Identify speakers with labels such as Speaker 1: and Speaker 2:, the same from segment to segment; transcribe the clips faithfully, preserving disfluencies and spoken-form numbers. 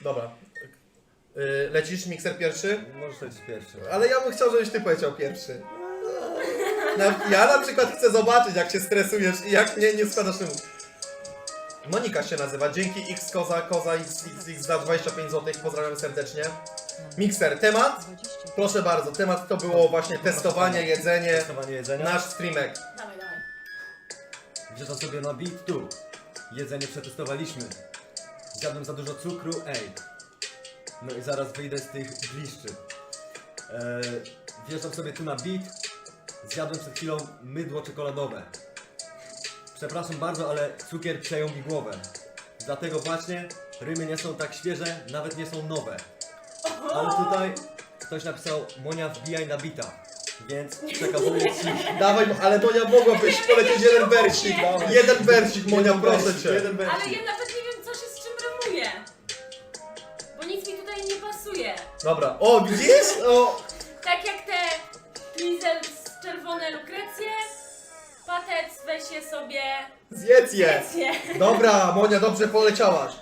Speaker 1: Dobra. Yy, lecisz, mikser pierwszy?
Speaker 2: Możesz lecieć pierwszy.
Speaker 1: Ale ja bym chciał, żebyś ty powiedział pierwszy. Na, ja na przykład chcę zobaczyć, jak się stresujesz i jak nie, nie składasz temu. Monika się nazywa. Dzięki X Koza, Koza X X X za dwadzieścia pięć złotych. Pozdrawiam serdecznie. Mikser, temat? Proszę bardzo, temat to było właśnie testowanie, jedzenie,
Speaker 2: Testowanie jedzenia.
Speaker 1: nasz streamek.
Speaker 3: Dawaj, dawaj.
Speaker 2: Wjeżdżam sobie na beat tu. Jedzenie przetestowaliśmy. Zjadłem za dużo cukru, ej. No i zaraz wyjdę z tych bliszczy. Eee, wjeżdżam sobie tu na beat. Zjadłem przed chwilą mydło czekoladowe. Przepraszam bardzo, ale cukier przejął mi głowę. Dlatego właśnie rymy nie są tak świeże, nawet nie są nowe. Ale tutaj ktoś napisał: Monia, wbijaj na bita. Więc przekazuję ci.
Speaker 1: Dawaj, ale Monia mogłabyś polecieć jeden wersik. Jeden wersik, Monia, proszę
Speaker 2: wersik,
Speaker 1: cię.
Speaker 2: jeden wersik.
Speaker 3: Ale ja nawet nie wiem, co się z czym rymuje. Bo nic mi tutaj nie pasuje.
Speaker 1: Dobra, o widzisz? O,
Speaker 3: Tak jak te Lizel z czerwone lukrecje, patec weź je sobie,
Speaker 1: zjedz je.
Speaker 3: jedz je.
Speaker 1: Dobra, Monia, dobrze poleciałaś.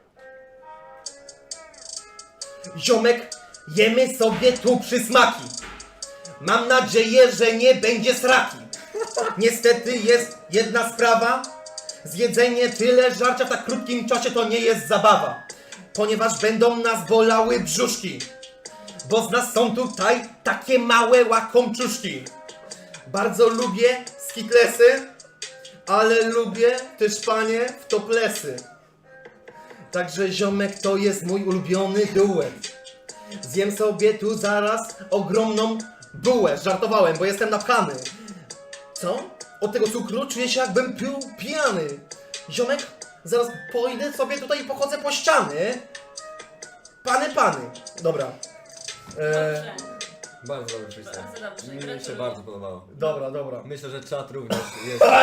Speaker 1: Ziomek, jemy sobie tu przysmaki. Mam nadzieję, że nie będzie sraki. Niestety jest jedna sprawa. Zjedzenie tyle żarcia w tak krótkim czasie to nie jest zabawa. Ponieważ będą nas bolały brzuszki. Bo z nas są tutaj takie małe łakomczuszki. Bardzo lubię skitlesy, ale lubię też panie w toplesy. Także ziomek to jest mój ulubiony duet. Zjem sobie tu zaraz ogromną bułę. Żartowałem, bo jestem napchany. Co? Od tego cukru czuję się, jakbym pił pijany. Ziomek, zaraz pójdę sobie tutaj i pochodzę po ściany. Pany, pany. Dobra. E,
Speaker 3: Dobrze.
Speaker 2: Bardzo dobry freestyle.
Speaker 3: Bardzo dobrze,
Speaker 2: Mi się
Speaker 3: gratuluję.
Speaker 2: bardzo podobało.
Speaker 1: dobra, dobra.
Speaker 2: Myślę, że czat również jest